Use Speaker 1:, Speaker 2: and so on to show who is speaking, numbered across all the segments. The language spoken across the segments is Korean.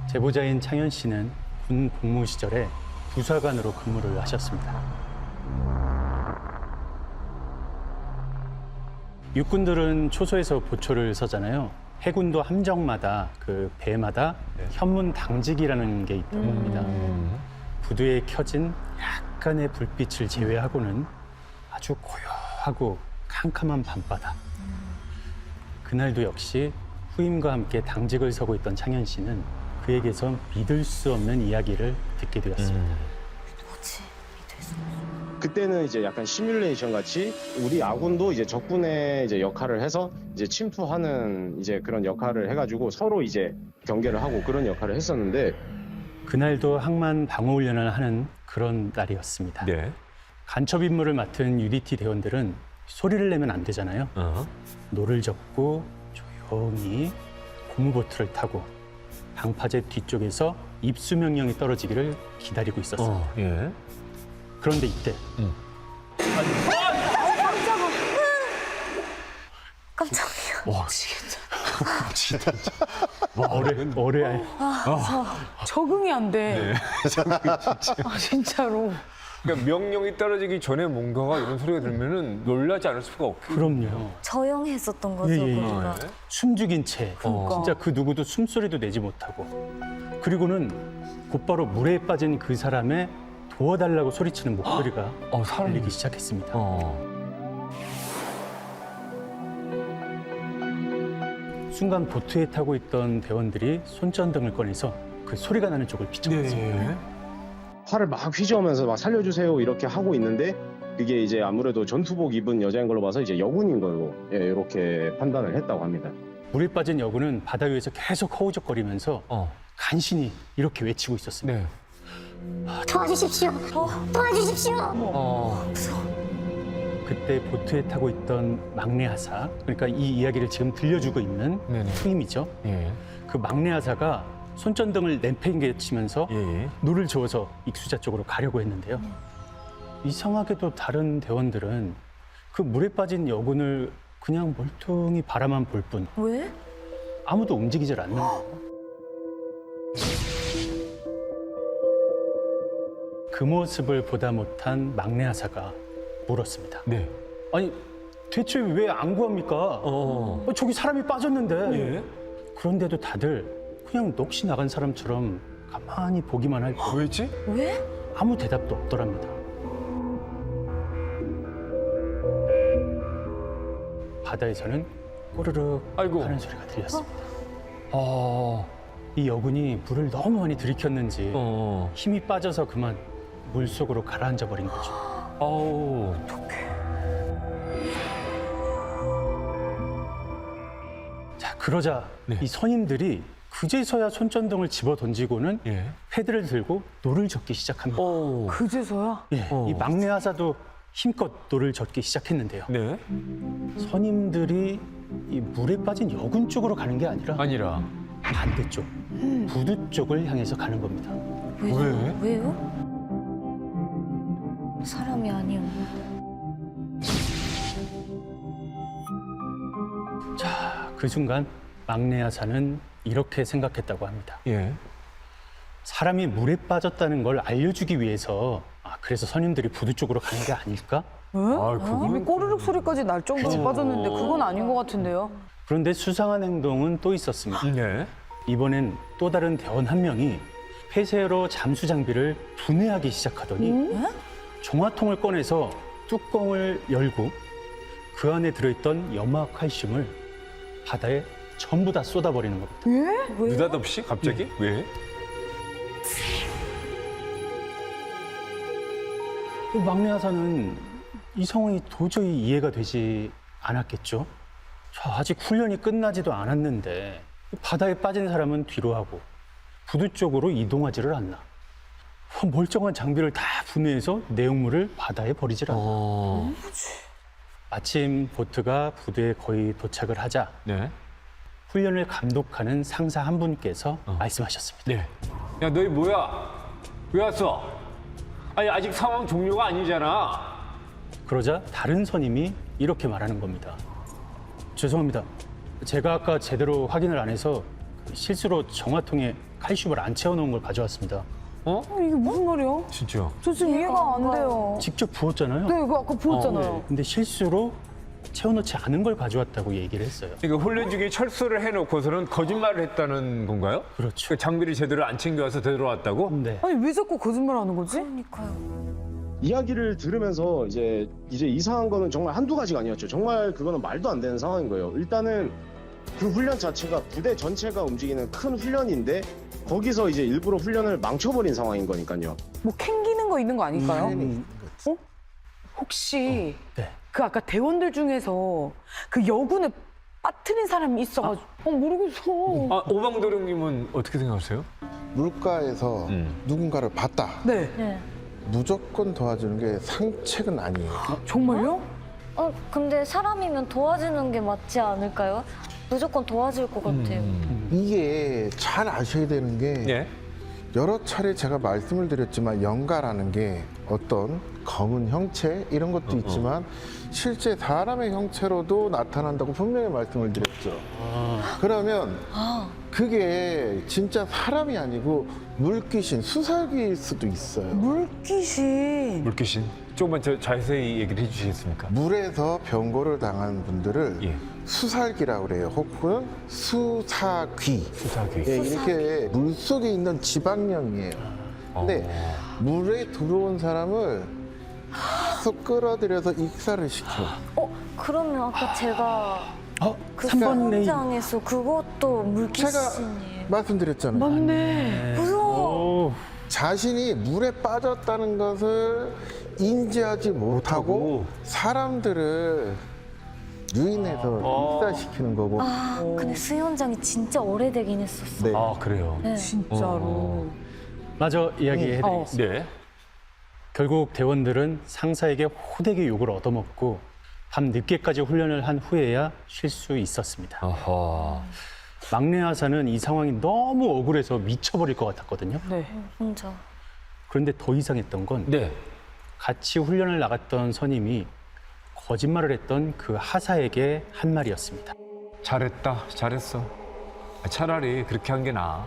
Speaker 1: 제보자인 창현 씨는 군 복무 시절에 부사관으로 근무를 하셨습니다. 육군들은 초소에서 보초를 서잖아요. 해군도 함정마다 그 배마다 현문 당직이라는 게 있다고 합니다. 부두에 켜진 약간의 불빛을 제외하고는 아주 고요하고 캄캄한 밤바다. 그날도 역시 후임과 함께 당직을 서고 있던 창현 씨는 그에게서 믿을 수 없는 이야기를 듣게 되었습니다.
Speaker 2: 뭐지?
Speaker 3: 그때는 이제 약간 시뮬레이션 같이 우리 아군도 이제 적군의 이제 역할을 해서 이제 침투하는 이제 그런 역할을 해가지고 서로 이제 경계를 하고 그런 역할을 했었는데
Speaker 1: 그날도 항만 방어 훈련을 하는 그런 날이었습니다.
Speaker 4: 네.
Speaker 1: 간첩 임무를 맡은 UDT 대원들은 소리를 내면 안 되잖아요. 노를 젓고 조용히 고무보트를 타고 방파제 뒤쪽에서 입수 명령이 떨어지기를 기다리고 있었어요.
Speaker 4: 예.
Speaker 1: 그런데 이때
Speaker 2: 깜짝이야.
Speaker 1: 와, 어뢰
Speaker 5: 적응이 안 돼. 아, 진짜로.
Speaker 4: 그러니까 명령이 떨어지기 전에 뭔가가 이런 소리가 들면은 놀라지 않을 수가 없고.
Speaker 1: 그럼요.
Speaker 2: 저용했었던 거죠,
Speaker 1: 예, 예, 예.
Speaker 2: 우리가.
Speaker 1: 숨죽인 채
Speaker 5: 그러니까.
Speaker 1: 진짜 그 누구도 숨소리도 내지 못하고 그리고는 곧바로 물에 빠진 그 사람의 도와달라고 소리치는 목소리가
Speaker 4: 사람이.
Speaker 1: 들리기 시작했습니다. 순간 보트에 타고 있던 대원들이 손전등을 꺼내서 그 소리가 나는 쪽을 비춰봤습니다.
Speaker 3: 활을 막 휘저으면서 막 살려주세요 이렇게 하고 있는데 그게 이제 아무래도 전투복 입은 여자인 걸로 봐서 이제 여군인 걸로 이렇게 판단을 했다고 합니다.
Speaker 1: 물에 빠진 여군은 바다 위에서 계속 허우적거리면서 간신히 이렇게 외치고 있었습니다.
Speaker 4: 네.
Speaker 6: 도와주십시오. 도와주십시오.
Speaker 1: 그때 보트에 타고 있던 막내 하사, 그러니까 이 이야기를 지금 들려주고 있는
Speaker 4: 네네.
Speaker 1: 후임이죠.
Speaker 4: 예.
Speaker 1: 그 막내 하사가 손전등을 내팽개치면서
Speaker 4: 예.
Speaker 1: 노를 저어서 익수자 쪽으로 가려고 했는데요. 이상하게도 다른 대원들은 그 물에 빠진 여군을 그냥 멀뚱히 바라만 볼 뿐
Speaker 2: 왜?
Speaker 1: 아무도 움직이질 않는 거예요. 그 모습을 보다 못한 막내 하사가 물었습니다.
Speaker 4: 네.
Speaker 1: 아니 대체 왜 안 구합니까? 저기 사람이 빠졌는데.
Speaker 4: 예.
Speaker 1: 그런데도 다들 그냥 넋이 나간 사람처럼 가만히 보기만 할 뿐
Speaker 4: 왜지?
Speaker 2: 왜?
Speaker 1: 아무 대답도 없더랍니다. 바다에서는 꼬르륵
Speaker 4: 아이고.
Speaker 1: 하는 소리가 들렸습니다.
Speaker 4: 아.
Speaker 1: 이 여군이 물을 너무 많이 들이켰는지
Speaker 4: 어.
Speaker 1: 힘이 빠져서 그만 물속으로 가라앉아 버린 거죠.
Speaker 4: 아우.
Speaker 1: 자, 그러자
Speaker 4: 네.
Speaker 1: 이 선임들이 그제서야 손전등을 집어 던지고는
Speaker 4: 예.
Speaker 1: 패드를 들고 노를 젓기 시작합니다.
Speaker 5: 그제서야?
Speaker 1: 예, 이 막내 하사도 힘껏 노를 젓기 시작했는데요.
Speaker 4: 네.
Speaker 1: 선임들이 이 물에 빠진 여군 쪽으로 가는 게 아니라
Speaker 4: 아니라.
Speaker 1: 반대쪽, 부두 쪽을 향해서 가는 겁니다.
Speaker 4: 왜?
Speaker 2: 왜요? 사람이 아니었나?
Speaker 1: 자, 그 순간 막내 하사는 이렇게 생각했다고 합니다.
Speaker 4: 예.
Speaker 1: 사람이 물에 빠졌다는 걸 알려주기 위해서 그래서 선임들이 부두 쪽으로 가는 게 아닐까?
Speaker 5: 이미 꼬르륵 소리까지 날 정도로 빠졌는데 그건 아닌 것 같은데요?
Speaker 1: 그런데 수상한 행동은 또 있었습니다.
Speaker 4: 네.
Speaker 1: 이번엔 또 다른 대원 한 명이 폐쇄로 잠수 장비를 분해하기 시작하더니 종화통을 꺼내서 뚜껑을 열고 그 안에 들어있던 염화 칼슘을 바다에 전부 다 쏟아버리는 겁니다.
Speaker 4: 느닷없이 갑자기? 왜?
Speaker 1: 그 막내 하사는 이 상황이 도저히 이해가 되지 않았겠죠. 자, 아직 훈련이 끝나지도 않았는데 바다에 빠진 사람은 뒤로 하고 부두 쪽으로 이동하지를 않나. 멀쩡한 장비를 다 분해해서 내용물을 바다에 버리질 않나. 마침 보트가 부두에 거의 도착을 하자
Speaker 4: 네.
Speaker 1: 훈련을 감독하는 상사 한 분께서 말씀하셨습니다.
Speaker 4: 네.
Speaker 7: 야, 너희 뭐야? 왜 왔어? 아니, 아직 상황 종료가 아니잖아.
Speaker 1: 그러자 다른 선임이 이렇게 말하는 겁니다. 죄송합니다. 제가 아까 제대로 확인을 안 해서 실수로 정화통에 칼슘을 안 채워놓은 걸 가져왔습니다.
Speaker 5: 이게 무슨 말이야?
Speaker 4: 진짜.
Speaker 5: 저 지금 이해가 안 돼요.
Speaker 1: 직접 부었잖아요.
Speaker 5: 네, 이거 아까 보였잖아요.
Speaker 1: 근데 실수로 채워놓지 않은 걸 가져왔다고 얘기를 했어요.
Speaker 4: 그러니까 훈련 중에 철수를 해놓고서는 거짓말을 했다는 건가요?
Speaker 1: 그렇죠.
Speaker 4: 그 장비를 제대로 안 챙겨와서 되돌아왔다고?
Speaker 1: 네.
Speaker 5: 아니 왜 자꾸 거짓말하는 거지?
Speaker 2: 그러니까요.
Speaker 3: 이야기를 들으면서 이제 이상한 거는 정말 한두 가지가 아니었죠. 정말 그거는 말도 안 되는 상황인 거예요. 일단은 그 훈련 자체가 부대 전체가 움직이는 큰 훈련인데 거기서 이제 일부러 훈련을 망쳐버린 상황인 거니까요.
Speaker 5: 뭐 캥기는 거 있는 거 아닐까요? 혹시
Speaker 1: 네.
Speaker 5: 그 아까 대원들 중에서 그 여군을 빠뜨린 사람이 있어가지고 모르겠어.
Speaker 4: 아, 오방도령님은 어떻게 생각하세요?
Speaker 8: 물가에서 누군가를 봤다.
Speaker 5: 네.
Speaker 2: 네.
Speaker 8: 무조건 도와주는 게 상책은 아니에요.
Speaker 5: 정말요?
Speaker 2: 근데 사람이면 도와주는 게 맞지 않을까요? 무조건 도와줄 것 같아요.
Speaker 8: 이게 잘 아셔야 되는 게
Speaker 4: 예.
Speaker 8: 여러 차례 제가 말씀을 드렸지만 영가라는 게 어떤 검은 형체 이런 것도 있지만 실제 사람의 형체로도 나타난다고 분명히 말씀을 드렸죠. 그러면 그게 진짜 사람이 아니고 물귀신, 수살귀일 수도 있어요.
Speaker 5: 물귀신.
Speaker 4: 물귀신. 조금만 자세히 얘기를 해주시겠습니까?
Speaker 8: 물에서 병고를 당한 분들을
Speaker 4: 예.
Speaker 8: 수살귀라고 그래요. 혹은 수사귀.
Speaker 4: 수사귀.
Speaker 8: 예, 이렇게 물 속에 있는 지방령이에요. 근데 물에 들어온 사람을 계속 끌어들여서 익사를 시켜.
Speaker 2: 그러면 아까 제가 그
Speaker 1: 3번 레인.
Speaker 2: 현장에서 그것도
Speaker 8: 제가
Speaker 2: 물귀신이에요.
Speaker 8: 말씀드렸잖아요.
Speaker 5: 맞네.
Speaker 2: 무서워.
Speaker 1: 오,
Speaker 8: 자신이 물에 빠졌다는 것을 인지하지 못하고 사람들을 유인해서 익사시키는 거고.
Speaker 2: 근데 수영장이 진짜 오래되긴 했었어.
Speaker 8: 네.
Speaker 4: 아, 그래요?
Speaker 2: 네.
Speaker 5: 진짜로.
Speaker 1: 마저 이야기해드리겠습니다.
Speaker 4: 네.
Speaker 1: 결국 대원들은 상사에게 호되게 욕을 얻어먹고 밤 늦게까지 훈련을 한 후에야 쉴 수 있었습니다.
Speaker 4: 아하.
Speaker 1: 막내 하사는 이 상황이 너무 억울해서 미쳐버릴 것 같았거든요.
Speaker 5: 네.
Speaker 2: 혼자.
Speaker 1: 그런데 더 이상했던 건
Speaker 4: 네.
Speaker 1: 같이 훈련을 나갔던 선임이 거짓말을 했던 그 하사에게 한 말이었습니다.
Speaker 4: 잘했다. 잘했어. 차라리 그렇게 한 게 나아.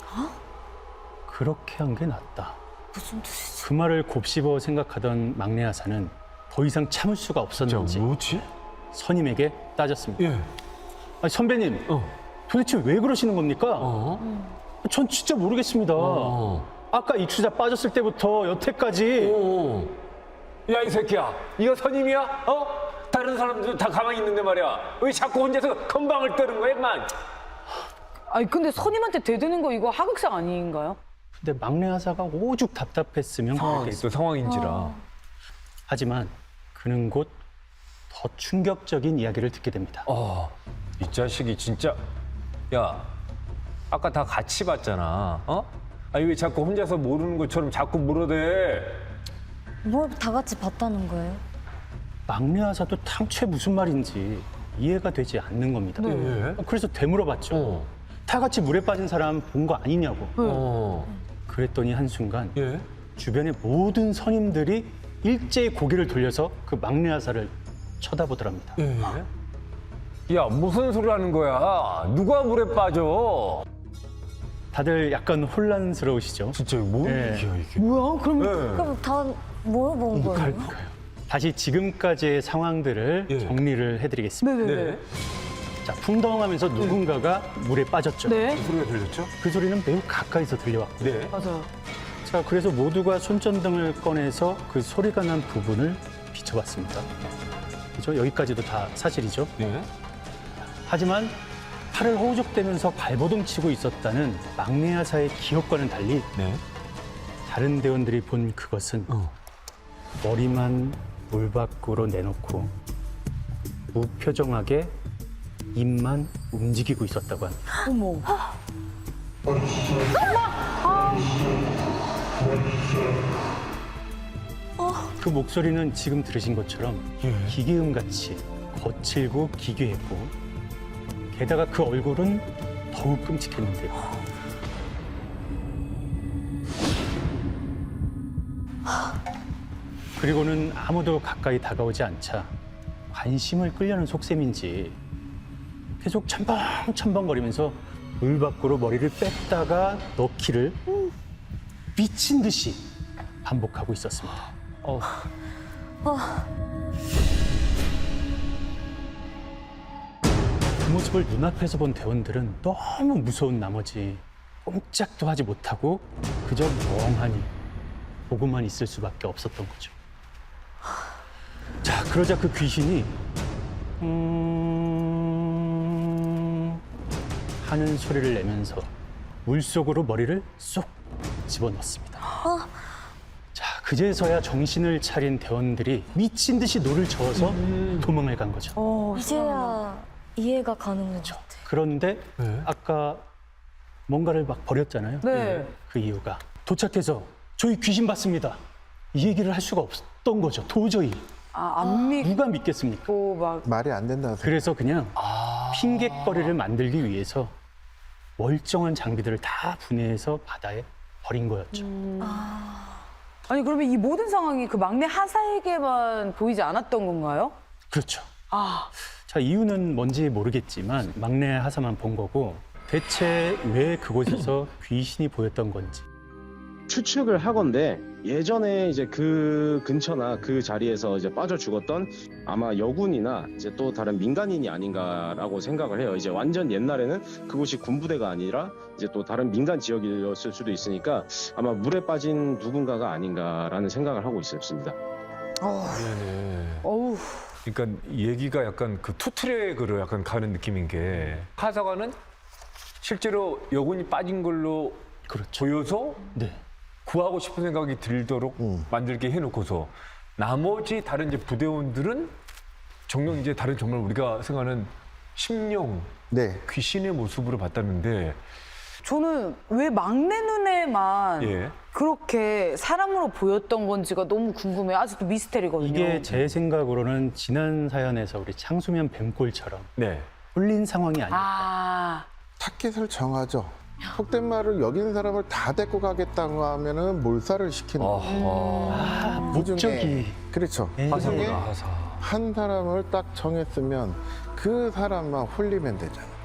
Speaker 1: 그렇게 한 게 낫다.
Speaker 2: 무슨 뜻이지?
Speaker 1: 그 말을 곱씹어 생각하던 막내 하사는 더 이상 참을 수가 없었는지
Speaker 4: 뭐지?
Speaker 1: 선임에게 따졌습니다.
Speaker 4: 예.
Speaker 1: 아니, 선배님, 도대체 왜 그러시는 겁니까? 전 진짜 모르겠습니다. 아까 익수자 빠졌을 때부터 여태까지
Speaker 7: 야, 이 새끼야. 이거 선임이야? 다른 사람들 다 가만히 있는데 말이야. 왜 자꾸 혼자서 건방을 떠는 거야, 임마?
Speaker 5: 아니 근데 선임한테 대드는 거 이거 하극상 아닌가요?
Speaker 1: 근데 막내 하사가 오죽 답답했으면 그렇겠어요.
Speaker 4: 또 상황인지라.
Speaker 1: 하지만 그는 곧 더 충격적인 이야기를 듣게 됩니다.
Speaker 4: 이 자식이 진짜. 야, 아까 다 같이 봤잖아. 아니 왜 자꾸 혼자서 모르는 것처럼 자꾸 물어대?
Speaker 2: 뭘 다 같이 봤다는 거예요?
Speaker 1: 막내 하사도 당최 무슨 말인지 이해가 되지 않는 겁니다.
Speaker 4: 예.
Speaker 1: 그래서 되물어봤죠. 다 같이 물에 빠진 사람 본 거 아니냐고. 그랬더니 한순간
Speaker 4: 예.
Speaker 1: 주변의 모든 선임들이 일제히 고개를 돌려서 그 막내 하사를 쳐다보더랍니다.
Speaker 4: 야, 무슨 소리 하는 거야? 누가 물에 빠져?
Speaker 1: 다들 약간 혼란스러우시죠?
Speaker 4: 진짜 뭔
Speaker 1: 예.
Speaker 4: 얘기야 이게?
Speaker 5: 뭐야? 그럼
Speaker 2: 그럼 다 물어본 거예요?
Speaker 1: 다시 지금까지의 상황들을
Speaker 4: 예.
Speaker 1: 정리를 해드리겠습니다.
Speaker 5: 네네네.
Speaker 1: 자, 풍덩하면서 누군가가 물에 빠졌죠.
Speaker 5: 네.
Speaker 4: 소리가 들렸죠?
Speaker 1: 그 소리는 매우 가까이서 들려왔고.
Speaker 4: 네.
Speaker 5: 맞아요.
Speaker 1: 자, 그래서 모두가 손전등을 꺼내서 그 소리가 난 부분을 비춰봤습니다. 그죠? 여기까지도 다 사실이죠.
Speaker 4: 네.
Speaker 1: 하지만 팔을 호적대면서 발버둥 치고 있었다는 막내 하사의 기억과는 달리
Speaker 4: 네.
Speaker 1: 다른 대원들이 본 그것은 머리만 물 밖으로 내놓고 무표정하게 입만 움직이고 있었다고 합니다.
Speaker 5: 어머.
Speaker 1: 그 목소리는 지금 들으신 것처럼 기계음같이 거칠고 기괴했고 게다가 그 얼굴은 더욱 끔찍했는데요. 그리고는 아무도 가까이 다가오지 않자 관심을 끌려는 속셈인지 계속 첨벙첨벙거리면서 물 밖으로 머리를 뺐다가 넣기를 미친 듯이 반복하고 있었습니다. 그 모습을 눈앞에서 본 대원들은 너무 무서운 나머지 꼼짝도 하지 못하고 그저 멍하니 보고만 있을 수밖에 없었던 거죠. 자, 그러자 그 귀신이 하는 소리를 내면서 물속으로 머리를 쏙 집어넣습니다. 자, 그제서야 정신을 차린 대원들이 미친 듯이 노를 저어서 도망을 간 거죠.
Speaker 2: 이제야 이해가 가는 것 같아.
Speaker 1: 그런데 아까 뭔가를 막 버렸잖아요.
Speaker 5: 네.
Speaker 1: 그 이유가 도착해서 저희 귀신 봤습니다. 이 얘기를 할 수가 없었던 거죠. 도저히
Speaker 5: 안 믿고
Speaker 1: 누가 믿겠습니까?
Speaker 5: 막.
Speaker 8: 말이 안 된다고 생각.
Speaker 1: 그래서 그냥 핑계거리를 만들기 위해서 멀쩡한 장비들을 다 분해해서 바다에 버린 거였죠.
Speaker 5: 아니 그러면 이 모든 상황이 그 막내 하사에게만 보이지 않았던 건가요?
Speaker 1: 그렇죠.
Speaker 5: 아,
Speaker 1: 자, 이유는 뭔지 모르겠지만 막내 하사만 본 거고 대체 왜 그곳에서 귀신이 보였던 건지
Speaker 3: 추측을 하건대 예전에 이제 그 근처나 그 자리에서 이제 빠져 죽었던 아마 여군이나 이제 또 다른 민간인이 아닌가라고 생각을 해요. 이제 완전 옛날에는 그곳이 군부대가 아니라 이제 또 다른 민간 지역이었을 수도 있으니까 아마 물에 빠진 누군가가 아닌가라는 생각을 하고 있었습니다.
Speaker 4: 네네.
Speaker 5: 어우.
Speaker 4: 그러니까 얘기가 약간 그 투트랙으로 약간 가는 느낌인 게 하사관은 실제로 여군이 빠진 걸로
Speaker 1: 그렇죠.
Speaker 4: 보여서
Speaker 1: 네.
Speaker 4: 구하고 싶은 생각이 들도록 만들게 해놓고서 나머지 다른 이제 부대원들은 정녕 이제 다른 정말 우리가 생각하는 심령,
Speaker 8: 네.
Speaker 4: 귀신의 모습으로 봤다는데
Speaker 5: 저는 왜 막내 눈에만
Speaker 4: 예.
Speaker 5: 그렇게 사람으로 보였던 건지가 너무 궁금해요. 아직도 미스테리거든요.
Speaker 1: 이게 제 생각으로는 지난 사연에서 우리 창수면 뱀골처럼
Speaker 4: 네.
Speaker 1: 홀린 상황이 아닐까.
Speaker 5: 아,
Speaker 8: 타깃을 정하죠. 속된 말을 여기는 사람을 다 데리고 가겠다고 하면은 몰살을 시키는 거예요.
Speaker 1: 아,
Speaker 8: 그 중에-
Speaker 1: 목적이
Speaker 8: 그렇죠.
Speaker 1: 예.
Speaker 8: 그 중에
Speaker 4: 하사구나 하사.
Speaker 8: 한 사람을 딱 정했으면 그 사람만 홀리면 되잖아.